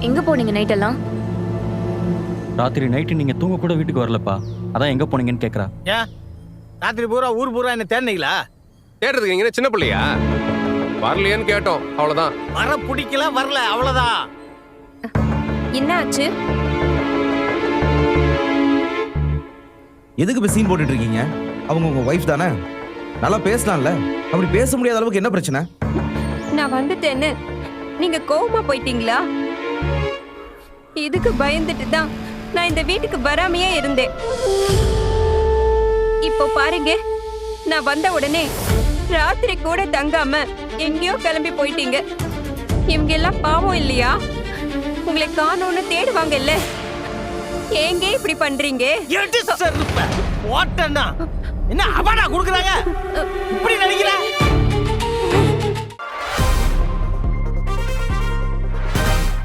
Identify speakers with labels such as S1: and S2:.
S1: எங்க போனீங்க நைட் எல்லாம்?
S2: ராத்திரி நைட்டு நீங்க தூங்க கூட வீட்டுக்கு வரலப்பா. அதான் எங்க போனீங்கன்னு கேக்குறா.
S3: ஏன் ராத்திரி பூரா ஊர் பூரா என்ன தேடினீங்களா?
S4: தேடுறதுக்கு எங்க சின்ன பிள்ளையா? வரலையேன்னு கேட்டோம், அவ்வளவுதான்.
S3: வர பிடிக்கல, வரல, அவ்வளவுதான்.
S5: என்ன ஆச்சு?
S6: எதுக்கு இப்ப சீன் போட்டுட்டு இருக்கீங்க? அவங்க உங்க வைஃப் தானே, நல்லா பேசலாம்ல. அப்படி பேச முடியாத அளவுக்கு என்ன பிரச்சனை?
S5: நான் வந்துட்டேன்னு நீங்க கோவமா போயிட்டீங்களா? இதுக்கு பயந்துட்டு தான் நான் இந்த வீட்டுக்கு வராமையே இருந்தேன். இப்போ பாருங்க, நான் வந்த உடனே ராத்திரி கூட தங்காம எங்கேயோ கிளம்பி போயிட்டீங்க. இவங்க எல்லாம் பாவம் இல்லையா? உங்களை காணோன்னு தேடுவாங்கல்ல. ஏங்க இப்படி பண்றீங்க?
S3: என்ன அவனா குடுக்குறாங்க? இப்படி நினைக்கிறேன்.